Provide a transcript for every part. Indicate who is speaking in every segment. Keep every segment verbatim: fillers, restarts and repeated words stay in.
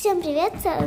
Speaker 1: Всім привіт, це,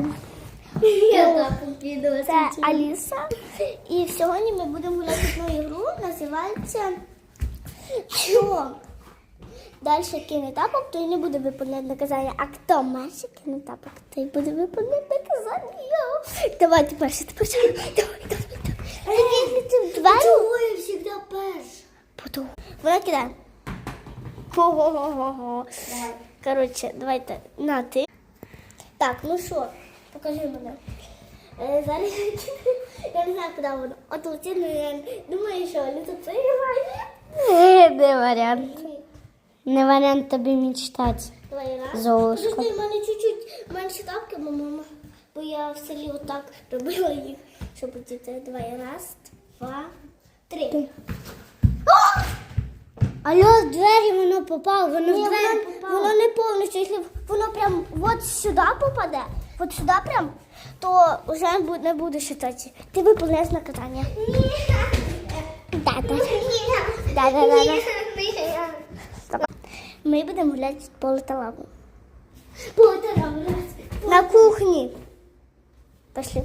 Speaker 1: це Аліса. І сьогодні ми будемо гуляти в одну ігру, називається «Що?». Далі кине тапок, той не буде виконувати наказання. А хто менше кине тапок, той буде виконувати наказання. Давайте перше, ти почали. Давай, давай, давай.
Speaker 2: Чого я завжди перша?
Speaker 1: Потом. Вона кидає. Хо-хо-хо-хо. Коротше, давайте на ти. Так, ну що, покажи мене. Е, зараз я не знаю, куди воно. От летить, ну я думаю, що не тут приграє.
Speaker 2: Не варіант. Не варіант тобі мечтати.
Speaker 1: Давай раз.
Speaker 2: Золушка.
Speaker 1: Подожди, в мене чуть-чуть менше тапки, бо мама, бо я в селі отак робила їх, щоб діти. Давай, раз, два, три.
Speaker 2: Алло, в двері воно попало, воно в
Speaker 1: Ні,
Speaker 2: двері
Speaker 1: воно,
Speaker 2: попало.
Speaker 1: воно не повністю. Якщо воно прям от сюди попаде, от сюди прям, то вже не буде считати. Ти виповняєш наказання. Да, да. Да, да, да, да. Ми будемо гуляти в поле та лаву.
Speaker 2: Поле та лаву.
Speaker 1: На кухні. Пішли.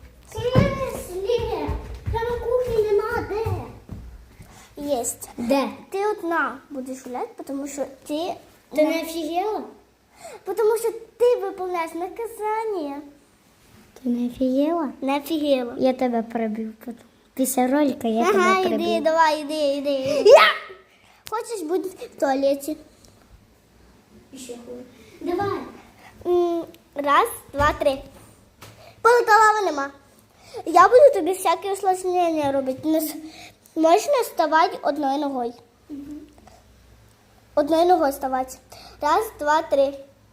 Speaker 2: Та на кухні нема де.
Speaker 1: Єсть.
Speaker 2: Де?
Speaker 1: Ти одна будеш гуляти, тому що ти...
Speaker 2: Ти не офігела?
Speaker 1: Тому що ти виповняєш наказання.
Speaker 2: Ти не офігела?
Speaker 1: Не офігела.
Speaker 2: Я тебе перебив потім. Після ролика я
Speaker 1: Ага,
Speaker 2: тебе
Speaker 1: іди,
Speaker 2: перебив.
Speaker 1: давай, іди, іди. іди. Хочеш бути в туалеті?
Speaker 2: Давай.
Speaker 1: М, Раз, два, три. Полеталава нема. Я буду тобі всякі усложнення робити. Не с- Можна вставати одною ногою. Одною ногою вставати. Раз, два, три.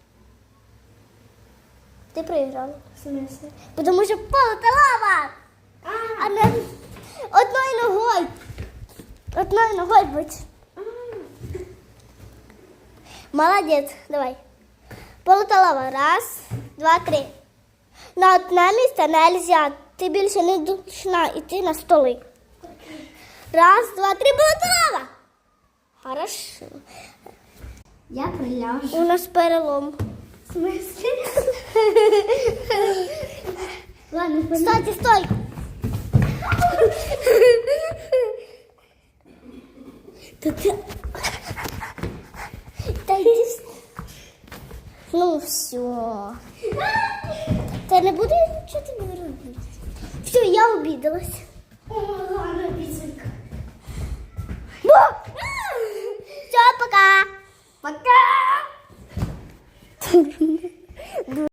Speaker 1: Ти проіграла.
Speaker 2: В смысле?
Speaker 1: Тому що полеталава. А не одною ногою. Одною ногою будь. Молодець, давай. Полеталава. Раз, два, три. На одне місце не можна. Ти більше не должна йти на столи. Раз, два, три, полеталава. Хорошо.
Speaker 2: Я приляжу.
Speaker 1: У нас перелом.
Speaker 2: В смысле? Ладно,
Speaker 1: Стойте, стой. Та ти... Та йди. с- Ну, все. Та не буду я нічого тобі робити. Все, я обідалась.
Speaker 2: О, ладно, пісенька.
Speaker 1: Все, пока. Пока.